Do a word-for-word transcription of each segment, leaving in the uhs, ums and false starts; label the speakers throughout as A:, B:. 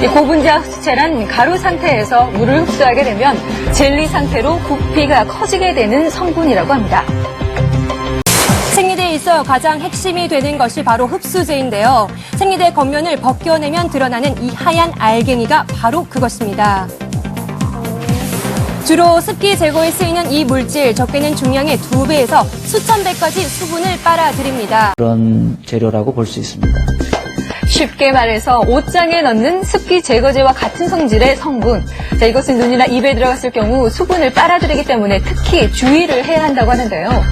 A: 이 고분자 흡수체란 가루 상태에서 물을 흡수하게 되면 젤리 상태로 부피가 커지게 되는 성분이라고 합니다.
B: 생리대에 있어 가장 핵심이 되는 것이 바로 흡수제인데요. 생리대 겉면을 벗겨내면 드러나는 이 하얀 알갱이가 바로 그것입니다. 주로 습기 제거에 쓰이는 이 물질, 적게는 중량의 두 배에서 수천 배까지 수분을 빨아들입니다.
C: 그런 재료라고 볼 수 있습니다.
A: 쉽게 말해서 옷장에 넣는 습기 제거제와 같은 성질의 성분. 자, 이것은 눈이나 입에 들어갔을 경우 수분을 빨아들이기 때문에 특히 주의를 해야 한다고 하는데요.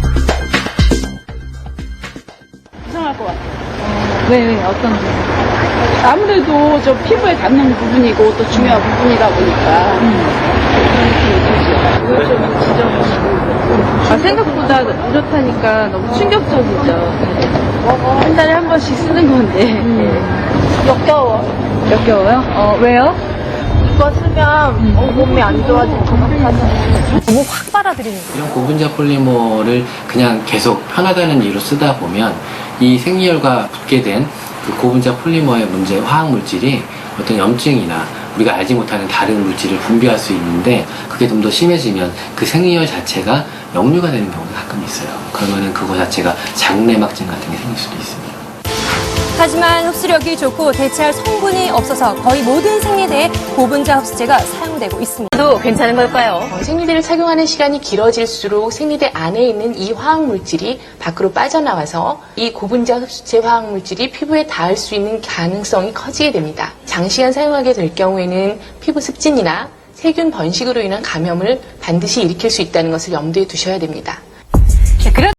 D: 이상할 것 같아요.
A: 왜, 왜, 어떤 부분?
D: 아무래도 저 피부에 닿는 부분이고 또 중요한 부분이다 보니까 그걸 좀 지적하시고. 아, 생각보다 안 좋다니까 너무 충격적이죠. 한 달에 한 번씩 쓰는 건데 역겨워.
A: 역겨워요? 어, 왜요?
D: 이거 쓰면 어, 몸이 안 좋아지는 것 같아서.
B: 너무 확 빨아들이는 거예요.
E: 이런 고분자 폴리머를 그냥 계속 편하다는 이유로 쓰다 보면 이 생리혈과 붙게 된 그 고분자 폴리머의 문제 화학 물질이 어떤 염증이나 우리가 알지 못하는 다른 물질을 분비할 수 있는데 그게 좀 더 심해지면 그 생리혈 자체가 역류가 되는 경우가 가끔 있어요. 그러면은 그거 자체가 자궁내막증 같은 게 생길 수도 있습니다.
B: 하지만 흡수력이 좋고 대체할 성분이 없어서 거의 모든 생리대에 고분자 흡수제가 사용되고 있습니다.
A: 또 괜찮은 걸까요?
F: 어, 생리대를 착용하는 시간이 길어질수록 생리대 안에 있는 이 화학물질이 밖으로 빠져나와서 이 고분자 흡수체 화학물질이 피부에 닿을 수 있는 가능성이 커지게 됩니다. 장시간 사용하게 될 경우에는 피부 습진이나 세균 번식으로 인한 감염을 반드시 일으킬 수 있다는 것을 염두에 두셔야 됩니다.
A: 네, 그런